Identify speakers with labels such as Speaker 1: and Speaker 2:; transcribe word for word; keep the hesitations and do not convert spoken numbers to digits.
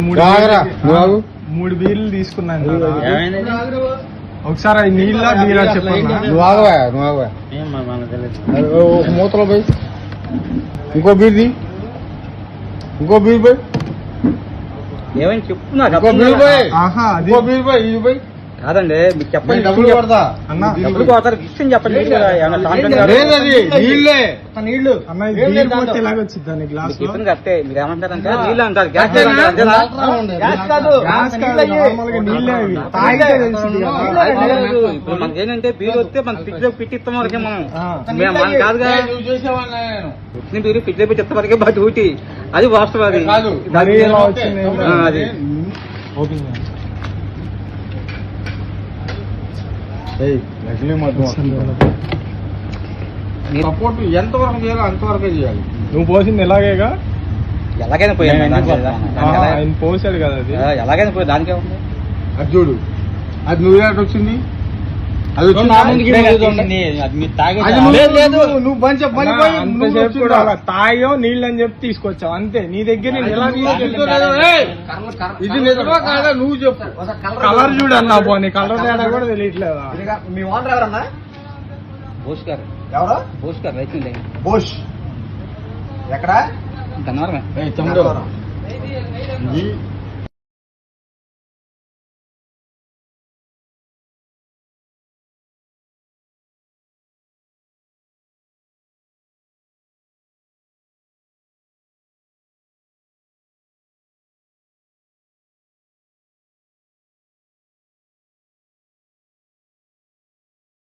Speaker 1: మూడు
Speaker 2: రాగరా,
Speaker 1: బీర్లు-
Speaker 2: నువ్వు.
Speaker 1: మూడు బీర్లు తీసుకున్నాను కదా.
Speaker 3: ఏమైంది?
Speaker 1: ఒకసారి అది నీళ్ళ బీరా చెప్పన్నా.
Speaker 2: నువ్వు ఆగవా నువ్వు ఆగవా
Speaker 3: ఏం మరి మనకు తెలియదు.
Speaker 2: అరే, ఓ, ఒక మూతలో పోయి ఇంకో బీర్ది ఇంకో బీర్ పోయి
Speaker 3: ఏమైంది చెప్పు నాకు
Speaker 2: ఇంకో
Speaker 3: అర్థం
Speaker 2: బీర్
Speaker 3: కాదు.
Speaker 2: పోయి
Speaker 1: ఆహా అది
Speaker 2: ఇంకో బీర్ పోయి ఇది పోయి
Speaker 3: కాదండి మీకు చెప్పండి
Speaker 2: నేను డబ్బులు కొడతా
Speaker 1: అన్న,
Speaker 3: ఎప్పుడు పోతారు విషయం చెప్పండి మీరు కదా, ఏమన్నా కాంటెంట్ కాదు.
Speaker 2: లేదది నీళ్ళే
Speaker 3: నీళ్లు
Speaker 1: అన్న ఇది బీర్ పోతే ఎలాగొచ్చింది దాని గ్లాస్
Speaker 3: మీకు చెప్పింది కరెక్టే. మీరు ఏమంటారంటే నీళ్ళు అంటారు, గ్యాస్ అంటారు, అంతేనా?
Speaker 2: గ్యాస్ కాదు.
Speaker 1: గ్యాస్ కాదు, నార్మల్ గా నీళ్ళే అవి తాగితే తెలిసింది కదా.
Speaker 3: ఇప్పుడు మనకి ఏంటంటే బీరు వస్తే మన ఫ్రిడ్జ్ లో పెట్టిస్తాం వరకే మనం
Speaker 1: ఆ.
Speaker 3: మేము- మనం కాదుగా
Speaker 2: నువ్వు చేసేవాడిని నేను.
Speaker 3: వచ్చిన బీరు ఫ్రిడ్జ్ లో పెట్టిస్తాం వరకే బట్ డ్యూటీ అది వాస్తవం. అది
Speaker 2: కాదు.
Speaker 1: మరి ఎలా వచ్చింది
Speaker 3: ఆ, అది
Speaker 1: ఓపెన్ చేయండి.
Speaker 2: ఏయ్, లక్ష్మీ మధు
Speaker 3: మీరు
Speaker 2: సపోర్ట్ ఎంతవరకు చేయాలో అంతవరకే చేయాలి.
Speaker 1: నువ్వు పోసింది ఎలాగేగా.
Speaker 3: ఎలాగైనా పోయాను
Speaker 2: నేను
Speaker 3: దానికి
Speaker 2: ఎందుకు
Speaker 3: దానికి
Speaker 1: ఆ,
Speaker 3: ఎలా-
Speaker 1: ఆయన పోసాడు కదా అది.
Speaker 3: ఆ, ఎలాగైనా పోయి దానికే ఉంది.
Speaker 2: అది చూడు, అది నువ్వు ఎలాంటి వచ్చింది, అది వచ్చిందా?
Speaker 3: నా ముందుకి ఇప్పుడే తీసింది. అది మీరు తాగే
Speaker 2: అది నువ్వు-
Speaker 3: లేదు, లేదు.
Speaker 2: నువ్వు- నువ్వు బంచ్ మళ్ళీ పోయి
Speaker 1: అన్న,
Speaker 2: నువ్వు
Speaker 1: అంతసేపు
Speaker 2: వచ్చిందా?
Speaker 1: కూడా అలా తాయో నీళ్ళు అని చెప్పి తీసుకొచ్చావు అంతే. నీ దగ్గర నేను ఎలా తీసుకెళ్ళాను?
Speaker 2: ఏయ్, ఇది నిజమా కాదా నువ్వు చెప్పు.
Speaker 1: కలర్ చూడు అన్న, పోనీ కలర్ తేడా కూడా తెలియట్లేదా.
Speaker 4: మీ ఓనర్ ఎవరన్నా?
Speaker 3: బోస్ గారు
Speaker 4: ఎవరు?
Speaker 3: బోస్ గారు రైతు
Speaker 4: బోష్. ఎక్కడ?
Speaker 3: గన్నవరమే.
Speaker 2: ఏయ్, తమ్ముడు, ఇది